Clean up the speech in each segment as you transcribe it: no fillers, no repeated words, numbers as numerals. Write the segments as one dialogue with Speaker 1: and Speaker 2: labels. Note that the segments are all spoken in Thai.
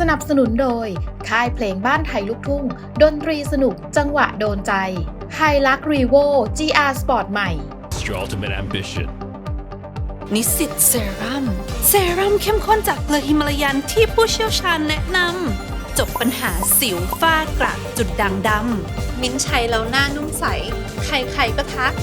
Speaker 1: สนับสนุนโดยค่ายเพลงบ้านไทยลูกทุ่งดนตรีสนุกจังหวะโดนใจไฮลักรีโว GR Sport ใหม่
Speaker 2: Your ultimate ambition.
Speaker 3: นิสสิตเซรั่มเข้มข้นจากเกลือฮิมาลายันที่ผู้เชี่ยวชาญแนะนำจบปัญหาสิวฝ้ากระจุดด่างดำมิ้นท์ใช้แล้วหน้านุ่มใสใครๆก็ทัก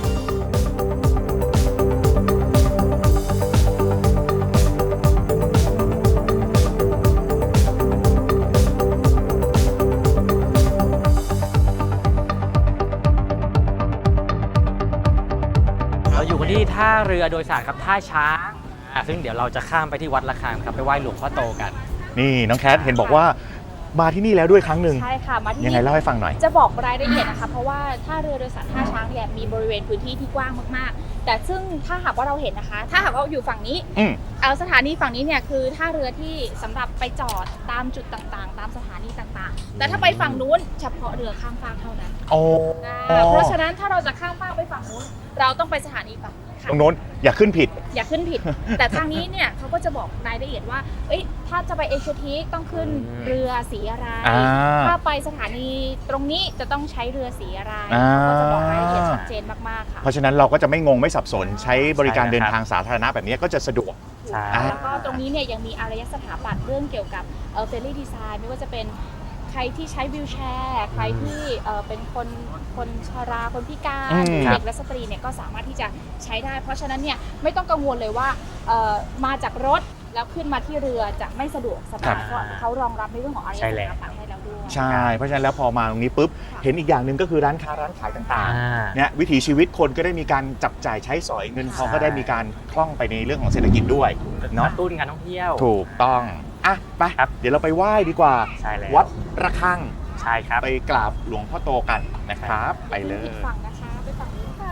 Speaker 4: เราอยู่กันที่ท่าเรือโดยสารครับท่าช้างซึ่งเดี๋ยวเราจะข้ามไปที่วัดระฆังครับไปไหว้หลวงพ่อโตกัน
Speaker 5: นี่น้องแคทเห็นบอกว่ามาที่นี่แล้วด้วยครั้งหนึ่ง
Speaker 6: ใช่ค่ะมาที่
Speaker 5: ยังไงเล่าให้ฟังหน่อย
Speaker 6: จะบอกรายละเอียดนะคะเพราะว่าท่าเรือโดยสารท่าช้างเนี่ยมีบริเวณพื้นที่ที่กว้างมากๆแต่ซึ่งถ้าหากว่าเราเห็นนะคะ ถ้าหากว่าอยู่ฝั่งนี้ เอาสถานีฝั่งนี้เนี่ยคือท่าเรือที่สำหรับไปจอดตามจุดต่างๆ ตามสถานีต่างๆแต่ถ้าไปฝั่งนู้นเฉพาะเรือข้ามฟากเท่านั้น
Speaker 5: โอ้
Speaker 6: เพราะฉะนั้นถ้าเราจะข้ามฟากไปฝั่งนู้นเราต้องไปสถานีฝั่งนี้ค่ะ
Speaker 5: ตรงโน้นอย่าขึ้นผิด
Speaker 6: อย่าขึ้นผิด แต่ทางนี้เนี่ยเขาก็จะบอกรายละเอียดว่าเอ้ยถ้าจะไปเอเชียทีคต้องขึ้นเรือสีอะไร ถ้าไปสถานีตรงนี้จะต้องใช้เรือสีอะไรเขาก็จะบอกรายละเอียดชัดเจนมากๆค่ะ
Speaker 5: เพราะฉะนั้นเราก็จะไม่งงไม่สับสนใช้บริการเดินทางสาธารณะแบบนี้ก็จะสะดวก
Speaker 4: ใช่
Speaker 6: แล้วก็ตรงนี้เนี่ยยังมีอารยสถาปัตย์เรื่องเกี่ยวกับเฟรนลี่ดีไซน์ไม่ว่าจะเป็นใครที่ใช้วีลแชร์ใครที่เป็นคนชราคนพิการเด็กและสตรีเนี่ยก็สามารถที่จะใช้ได้ เพราะฉะนั้นเนี่ยไม่ต้องกังวลเลยว่ามาจากรถแล้วขึ้นมาที่เรือจะไม่สะดวกสบายเพราะเขารองรับในเรื่องของอารยสถาปัตย์ให้แล้วด้วย
Speaker 5: ใช่เพราะฉะนั้นแล้วพอมาตรงนี้ปุ๊บเห็นอีกอย่างหนึ่งก็คือร้านค้าร้านขายต่างๆเนี่ยวิถีชีวิตคนก็ได้มีการจับจ่ายใช้สอยเงินทองก็ได้มีการคล่องไปในเรื่องของเศรษฐกิจด้วย
Speaker 4: ก
Speaker 5: เนาะ
Speaker 4: ระตุ้นการท่องเที่ยว
Speaker 5: ถูกต้องอ่ะไป
Speaker 4: ครับ
Speaker 5: เดี๋ยวเราไปไหว้ดีกว่า
Speaker 4: ใช่แล้ว
Speaker 5: วัดระฆัง
Speaker 4: ใช่ครับ
Speaker 5: ไปกราบหลวงพ่อโตกันนะครับ ไปเลย
Speaker 6: อีกฝั่งนะคะไปฝั่งนี้ค่ะ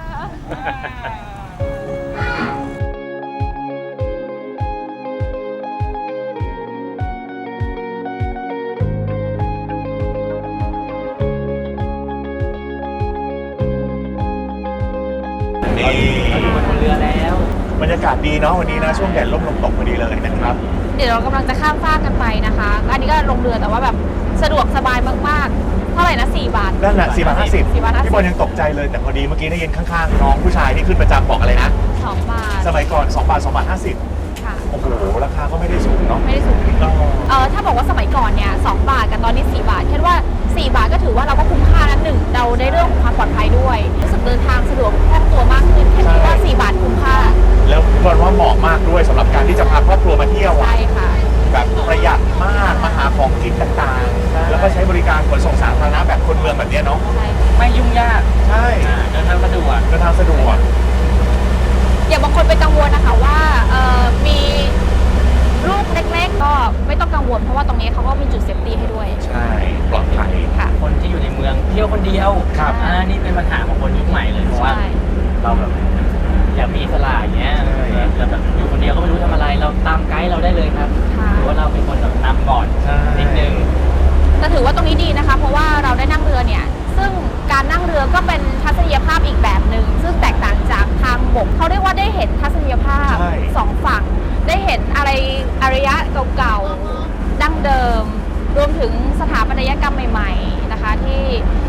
Speaker 5: นี่
Speaker 4: เราอยู่บนเรือแล้ว
Speaker 5: บรรยากาศดีเนาะวันนี้นะช่วงแดดร่มลมตกพอดีเลยนะครับ
Speaker 6: เดี๋ยวเรากำลังจะข้ามฟากกันไปนะคะอันนี้ก็ลงเรือแต่ว่าแบบสะดวกสบายมากๆเท่าไหร่นะ4 บาท
Speaker 5: นั่นแหละ4 บาท 50
Speaker 6: 4 บาท
Speaker 5: พี่บอลยังตกใจเลยแต่พอดีเมื่อกี้ได้ยินข้างๆน้องผู้ชายที่ขึ้นประจำบอกอะไรนะ
Speaker 6: 2 บาท
Speaker 5: สมัยก่อน2 บาท 2 บาท
Speaker 6: ค่ะ
Speaker 5: 50โอ้โหราคาก็ไม่ได้สูงเนาะ
Speaker 6: ไม่ได้สูงถ้าบอกว่าสมัยก่อนเนี่ย2 บาทกับตอนนี้4 บาทแค่ว่า4 บาทก็ถือว่าเราก็คุ้มค่านั้นหนึ่งเราได้เรื่องของความปลอดภัยด้วยรู้สึกเดินทางสะดวกคล่องตัวมากขึ้นแค่คิดว่า4 บาทคุ้มค่า
Speaker 5: แล้วพี่บอลว่าเหมาะมากด้วยสำหรับการที่จะพาครอบครัวมาเที่ยว
Speaker 6: ใช่ค่ะ
Speaker 5: แบบประหยัดมากมาหาของกินต่างๆ แล้วก็ใช้บริการขนส่งสาธารณะแบบคนเมืองแบบนี้เนาะ
Speaker 6: ใช่
Speaker 4: ไม่ยุ่งยาก
Speaker 5: ใช่
Speaker 4: เดินทางสะดวก
Speaker 5: เดินทางสะดวก
Speaker 6: อย่างบางคนไปกังวลนะคะว่ามีลูกเล็กๆก็ไม่ต้องกังวลเพราะว่าตรงนี้เขาก็มีจุดเซฟตี้ให้ด้วย
Speaker 5: ใช่ปลอดภัย
Speaker 6: ค่ะ
Speaker 4: คนที่อยู่ในเมืองเที่ยวคนเดียว
Speaker 5: ครับ
Speaker 4: นี่เป็นปัญหาของคนยุคใหม่เลยเพราะว่า
Speaker 6: ใช่
Speaker 4: เราแบบอยากมีอิสระอย่างเงี้ยแล้วแบบอยู่คนเดียวก็ไม่รู้ทำอะไร เราตามไกด์เราได้เลยครับ
Speaker 6: ค่ะ
Speaker 4: หรือว่าเราเป็นคนแบบนำก่อน
Speaker 5: ใช่
Speaker 4: นิดนึง
Speaker 6: แต่ถือว่าตรงนี้ดีนะคะ เพราะว่าเราได้นั่งเรือเนี่ยซึ่งการนั่งเรือก็เป็นทัศนียภาพอีกแบบหนึ่งซึ่งแตกต่างจากทางบกเขาเรียกว่าได้เห็นทัศนียภาพ
Speaker 5: ใช่
Speaker 6: 2 ฝั่ง ได้เห็นอะไรอารยะเก่าๆดั้งเดิม รวมถึงสถาปัตยกรรมใหม่ๆนะคะที่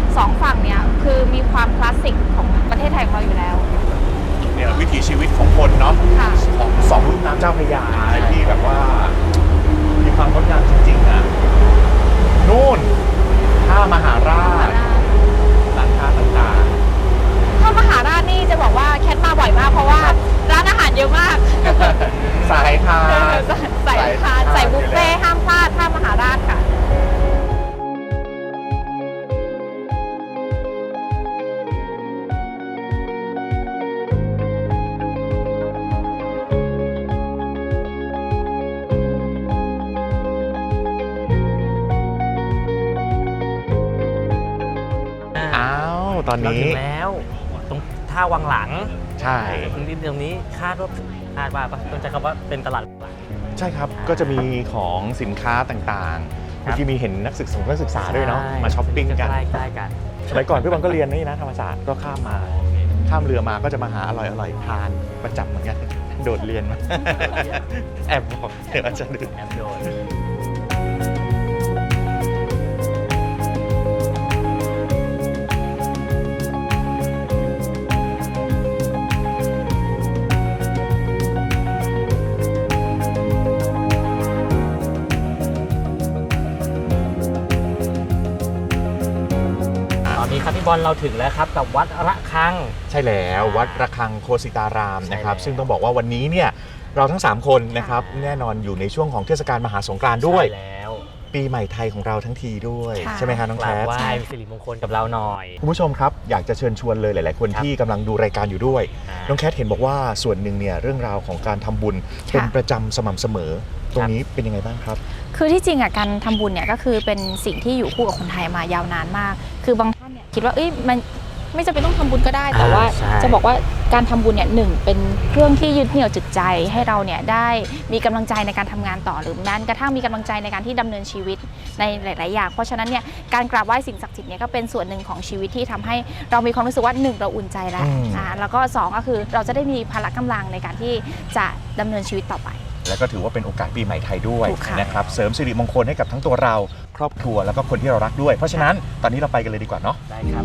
Speaker 6: 2 ฝั่งเนี่ยคือมีความคลาสสิกของประเทศไทยของเราอยู่แล้ว
Speaker 5: เนี่ยวิถีชีวิตของคนเนาะ
Speaker 6: ค่ะ
Speaker 5: ของสองลุ่มน้ำเจ้าพระยาที่แบบว่ามีความงดงามจริงๆนะนู่นท่ามหาราชร้านค้าต่าง
Speaker 6: ถ้ามหาราชนี่จะบอกว่าแคทมาบ่อยมากเพราะว่าร้านอาหารเยอะมาก
Speaker 5: ๆ สายทาน
Speaker 6: ใส่ทานใส่บุฟเฟ่ต์ห้ามพลาดท่ามหาราชค่ะ
Speaker 5: อ้าวตอน
Speaker 4: เรา
Speaker 5: นี้
Speaker 4: ถึงแล้วตรงท่าวังหลัง
Speaker 5: ใช่
Speaker 4: ตรงนี้คาดว่าต้องใช้คำว่าเป็นตลาดหลัง
Speaker 5: ใช่ครับก็จะมีของสินค้าต่างๆ
Speaker 4: ครับ
Speaker 5: เมื่อกี้มีเห็นนักศึกษาด้วยเนาะ
Speaker 4: ใช่
Speaker 5: มาช้อปปิ้งกัน
Speaker 4: ใกล้ๆกัน
Speaker 5: สมัยก่อนพี่บอลก็เรียนนี่นะธรรมศาสตร์ก็ข้ามเรือมาก็จะมาหาอร่อยๆทานประจำเหมือนกัน โดดเรียนมา แอบบอกเดี๋ยวอาจจะดึก
Speaker 4: แอมโดนบอลเราถึงแล้วครับกับวัดระฆัง
Speaker 5: ใช่แล้ววัดระฆังโคสิตารามนะครับ
Speaker 4: ใช่แล้ว
Speaker 5: ซึ่งต้องบอกว่าวันนี้เนี่ยเราทั้ง 3 คนนะครับแน่นอนอยู่ในช่วงของเทศกาลมหาสงกรานต์ด้วย
Speaker 4: ใช่แล้ว
Speaker 5: ปีใหม่ไทยของเราทั้งทีด้วย
Speaker 1: ค่ะ
Speaker 5: ใช่ไหมคะน้อง
Speaker 4: ก
Speaker 5: แค
Speaker 4: ราบ
Speaker 5: ท
Speaker 4: ไหว้สิริมงคลกับเราหน่อย
Speaker 5: คุณผู้ชมครับอยากจะเชิญชวนเลยหลาย ๆ คน
Speaker 4: ครับ
Speaker 5: ที่กำลังดูรายการอยู่ด้วย น้องแคทเห็นบอกว่าส่วนหนึ่งเนี่ยเรื่องราวของการทำบุญเป็นประจำสม่ำเสมอ ตรงนี้เป็นยังไงบ้างครับ
Speaker 6: คือที่จริงอ่ะการทำบุญเนี่ยก็คือเป็นสิ่งที่อยู่คู่กับคนไทยมายาวนานมาก คือบางท่านเนี่ยคิดว่าเอ้ยมันไม่จำเป็นต้องทำบุญก็ได้ แต่ว่า
Speaker 4: ใช่
Speaker 6: จะบอกว่าการทำบุญเนี่ยหนึ่งเป็นเครื่องที่ยึดเหนี่ยวจิตใจให้เราเนี่ยได้มีกำลังใจในการทำงานต่อหรือแม้กระทั่งมีกำลังใจในการที่ดำเนินชีวิตในหลาย ๆ อย่าง เพราะฉะนั้นเนี่ยการกราบไหว้สิ่งศักดิ์สิทธิ์เนี่ยก็เป็นส่วนหนึ่งของชีวิตที่ทำให้เรามีความรู้สึกว่าหนึ่งเราอุ่นใจแล้ว แล้วก็สองก็คือเราจะได้มีพละกำลังในการที่จะดำเนินชีวิตต่อไป
Speaker 5: แล้วก็ถือว่าเป็นโอกาสปีใหม่ไทยด้วย
Speaker 6: ถูกค่ะ
Speaker 5: นะครับเสริมสิริมงคลให้กับทั้งตัวเราครอบครัวแล้วก็คนที่เรารักด้วย เพราะฉะนั้นตอนนี้เราไปกันเลยดีกว่าเนาะ
Speaker 4: ได้ครับ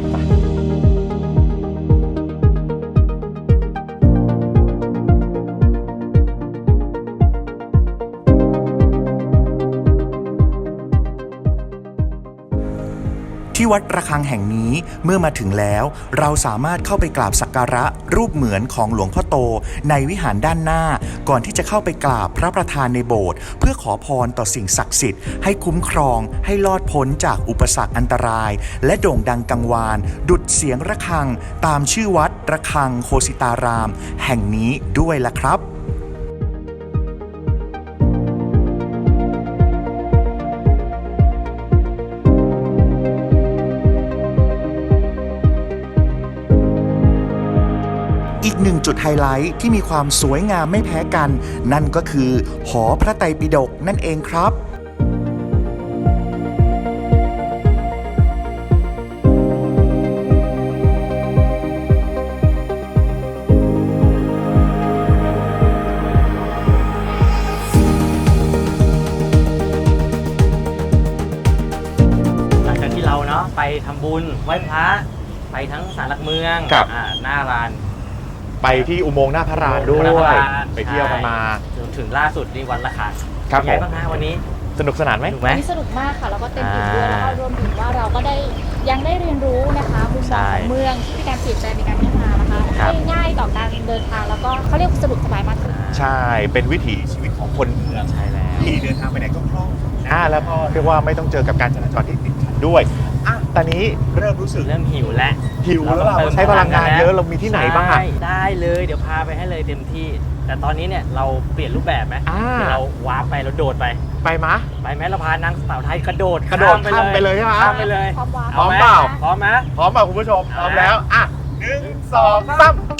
Speaker 7: ที่วัดระฆังแห่งนี้เมื่อมาถึงแล้วเราสามารถเข้าไปกราบสักการะรูปเหมือนของหลวงพ่อโตในวิหารด้านหน้าก่อนที่จะเข้าไปกราบพระประธานในโบสถ์เพื่อขอพรต่อสิ่งศักดิ์สิทธิ์ให้คุ้มครองให้รอดพ้นจากอุปสรรคอันตราย และโด่งดังกังวาน ดุจเสียงระฆังตามชื่อวัดระฆังโคสิตาราม แห่งนี้ด้วยล่ะครับ อีกหนึ่งจุดไฮไลท์ที่มีความสวยงามไม่แพ้กัน นั่นก็คือหอพระไตรปิฎกนั่นเองครับ
Speaker 4: หลังจากที่เราเนาะไปทำบุญไหว้พระไปทั้งศาลหลักเมือง
Speaker 5: ครับ
Speaker 4: หน้าลาน
Speaker 5: ไปที่อุโมงค์หน้าพระรานด้ว
Speaker 4: หน้าพระ
Speaker 5: ย
Speaker 4: ราน
Speaker 5: ไปเที่ยวกันมา
Speaker 4: จนถึงล่าสุดนี่วัดระฆัง
Speaker 5: ครับ
Speaker 4: เป็นไง
Speaker 5: ผม
Speaker 4: บ้างฮะวันนี้
Speaker 5: สนุกสนานไหม
Speaker 4: ถูกไหม
Speaker 6: วันนี้สนุกมากค่ะแล้วก็เต็มอิ่มด้วย
Speaker 4: อ่า
Speaker 6: แล้วก็รวมถึงว่าเราก็ได้ยังได้เรียนรู้นะคะมุมมองของเมืองที่มีการเปลี่ยนแปลงในการพัฒนานะคะ
Speaker 4: ครับ
Speaker 6: ให้ง่ายต่อการเดินทางแล้วก็เขาเรียกสะดวกสบายมากขึ้น
Speaker 5: ใช่เป็นวิถีชีวิตของคนเมือง
Speaker 4: ใช่แล้ว
Speaker 5: ที่เดินทางไปไหนก็คล่องแล้วก็เรียกว่าไม่ต้องเจอกับการจราจรที่ติดขัดด้วยตอนนี้เริ่มรู้สึก
Speaker 4: เริ่มหิวแล้ว
Speaker 5: หิวแล้วเราใช้พลังงานเยอะเรามีที่ไหนบ้างอะ
Speaker 4: ใช่ได้เลยเดี๋ยวพาไปให้เลยเต็มที่ แต่ตอนนี้เนี่ยเราเปลี่ยนรูปแบบไหม เดี๋ยวเราวาร์ปไปเราโดดไป
Speaker 5: ไปมะ
Speaker 4: ไปไหมเราพานางสาวไทยกระโดด
Speaker 5: กระโดดข้ามไปเลยใช่ไหม
Speaker 4: ข้ามไปเลย
Speaker 6: พร้อมวาง
Speaker 5: พร้อม
Speaker 4: ไห
Speaker 5: เปล่า
Speaker 4: พร้อมไหม
Speaker 5: พร้อมเปล่าคุณผู้ชมพร้อมแล้ว1 2 3